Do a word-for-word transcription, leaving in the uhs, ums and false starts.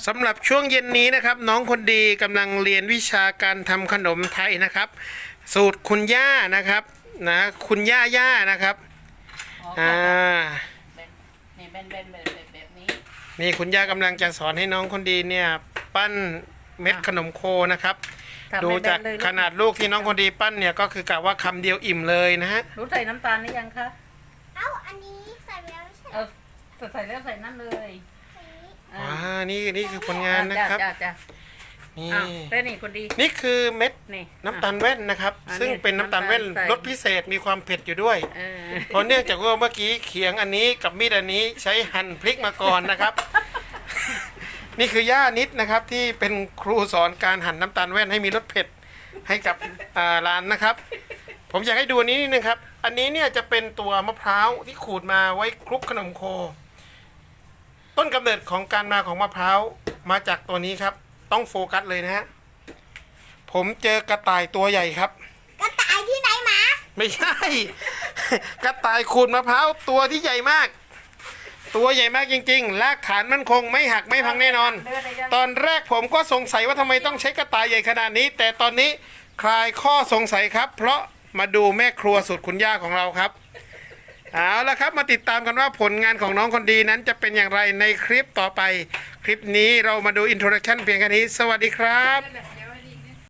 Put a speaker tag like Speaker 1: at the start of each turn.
Speaker 1: สำหรับช่วงเย็นนี้นะครับ น้องคนดีกำลังเรียนวิชาการทำขนมไทยนะครับ สูตรคุณย่านะครับนะคุณย่าย่านะครับ
Speaker 2: อ๋อ
Speaker 1: อ่า
Speaker 2: แบบนี่เป็นเป็นแบบแบบแบบนี้
Speaker 1: นี่คุณย่ากำลังจะสอนให้น้องคนดีเนี่ยปั้นเม็ดขนมโคนะครับ
Speaker 2: ทำ
Speaker 1: ดู
Speaker 2: ให้แบ
Speaker 1: จาก
Speaker 2: นเลยลูก
Speaker 1: ขนาดลูกที่น้องคนดีปั้นเนี่ยก็คือกะว่าคำเดียวอิ่มเลยนะฮะ
Speaker 2: รู้ใส่น้ำตาลหรือยังคะ
Speaker 3: เอ้า อันนี้ใส่ไปแล้วไม่ใช่เหร
Speaker 2: เอา
Speaker 3: อ
Speaker 2: ใส่แล้วใส่นั่นเลย
Speaker 3: ใส่นี้
Speaker 2: อ่า
Speaker 1: ว้านี่นี่คือผลงานนะครับ
Speaker 2: จ้าจ้า
Speaker 1: นี่
Speaker 2: อ้าวแล้วนี่คนดี
Speaker 1: นี่คือเม็ด
Speaker 2: นี่
Speaker 1: น้ำตาลแว่นนะครับ
Speaker 2: อ่า
Speaker 1: ซึ่งเป็นน้ำตาลแว่น
Speaker 2: น้ำตาลใส่
Speaker 1: รสพิเศษมีความเผ็ดอยู่ด้วย
Speaker 2: เออ
Speaker 1: เพราะเนื่องจากว่าเมื่อกี้เขียงอันนี้กับมีดอันนี้ใช้หั่นพริกมาก่อนนะครับ นี่คือย่านิดนะครับที่เป็นครูสอนการหั่นน้ำตาลแว่นให้มีรสเผ็ดให้กับอ่าร้านนะครับ ผมอยากให้ดูอันนี้นิดนึงครับ อันนี้เนี่ยจะเป็นตัวมะพร้าวที่ขูดมาไว้คลุกขนมโค ต้นกำเนิดของการมาของมะพร้าวมาจากตัวนี้ครับ ต้องโฟกัสเลยนะฮะผมเจอกระต่ายตัวใหญ่ครับ
Speaker 3: กระต่ายที่ไหนหมา
Speaker 1: ไม่ใช่ กระต่ายขูดมะพร้าวตัวที่ใหญ่มาก ตัวใหญ่มากจริงๆรากฐานมั่นคงไม่หักไม่พังแน่นอน
Speaker 2: เลือดได้ยัง
Speaker 1: ตอนแรกผมก็สงสัยว่าทำไมต้องใช้กระต่ายใหญ่ขนาดนี้ แต่ตอนนี้คลายข้อสงสัยครับ เพราะมาดูแม่ครัวสุดคุณย่าของเราครับเอาละครับมาติดตามกันว่าผลงานของน้องคนดีนั้นจะเป็นอย่างไรในคลิปต่อไป คลิปนี้เรามาดูอินโทรดักชันเพียงแค่นี้ สวัสดีครับ